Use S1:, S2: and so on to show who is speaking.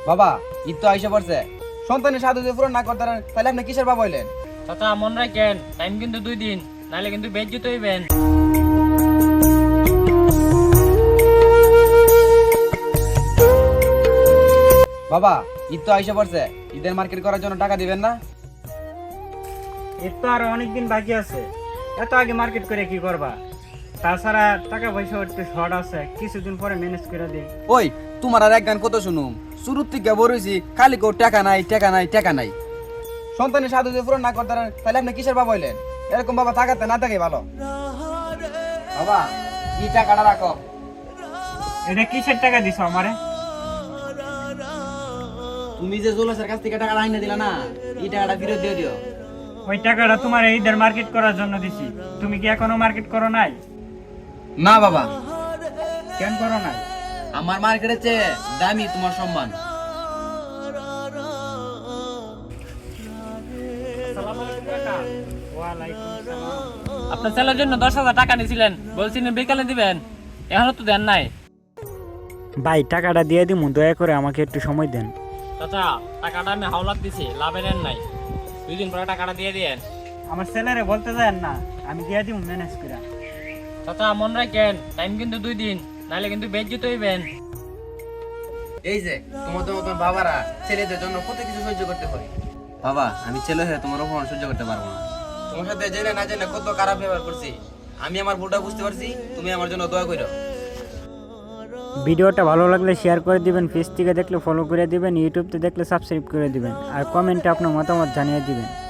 S1: বাবা ঈদ তো আইসা পড়ছে, সন্তানের সাধু যদি পূরণ না করতে পারেন তাহলে আপনি কিসের বাবা হইলেন?
S2: চাচা মন রাখেন, টাইম কিন্তু 2 দিন, নাহলে কিন্তু বেজ্জিত হইবেন।
S1: বাবা ঈদ তো আইসা পড়ছে, ঈদের মার্কেট করার জন্য টাকা দিবেন না?
S3: এর তো আরো অনেকদিন বাকি আছে, এত আগে মার্কেট করে কি করবা? তাছাড়া টাকা পয়সা একটু শর্ট আছে, কিছুদিন পরে ম্যানেজ করে দিই।
S1: ওই তোমার আর এক গান কত শুনুম, শুরুর থেকে বড়ইছি খালি কেউ টাকা নাই টাকা নাই টাকা নাই। সন্তানের সাধু যদি পূরণ না করতে পারেন তাহলে আপনি কিসের বাবা হইলেন? এরকম বাবা থাকাতে না থাকে ভালো। বাবা এই টাকাটা রাখো।
S3: এটা কিসের টাকা দিছো আমারে?
S1: তুমি যে জুলসের কাছ থেকে টাকাটা আইনে দিলা না, এই টাকাটা ফেরত দিয়ে দিও।
S3: ওই টাকাটা তোমার ঈদের মার্কেট করার জন্য দিছি, তুমি কি এখনো মার্কেট করো নাই?
S1: না বাবা,
S3: কেন করো নাই?
S1: আমার মার্কেটের চেয়ে দামি তোমার সম্মান।
S2: আপনার ছেলের জন্য 10,000 টাকা নিয়েছিলেন, বলছিলেন বিকালে দিবেন, এখনো তো দেন নাই।
S3: ভাই টাকাটা দিয়ে দিমু, দয়া করে আমাকে একটু সময় দেন।
S2: চাচা টাকাটা আমি হাওলাত দিছি, লাভে নেন নাই, 2 দিন পরে টাকাটা দিয়ে দিয়েন।
S3: আমার ছেলেরে বলতে দেন না, আমি দিয়ে দিমু ম্যানেজ করে।
S2: চাচা মন রাখেন, টাইম কিন্তু 2 দিন, নাহলে কিন্তু বেজ্জিত হইবেন।
S1: এই যে তোমাদের মতন বাবারা ছেলেদের জন্য কত কিছু সহ্য করতে হয়। বাবা আমি ছেলে হয়ে তোমার অপমান সহ্য করতে পারবো না। তোমার সাথে জেনে না জেনে কত খারাপ ব্যবহার করছি, আমি আমার ভুলটা বুঝতে পারছি, তুমি আমার জন্য দোয়া করো।
S3: ভিডিওটা ভালো লাগলে শেয়ার করে দিবেন, পেজ থেকে দেখলে ফলো করে দিবেন, ইউটিউব থেকে দেখলে সাবস্ক্রাইব করে দিবেন, আর কমেন্টে আপনার মতামত জানিয়ে দিবেন।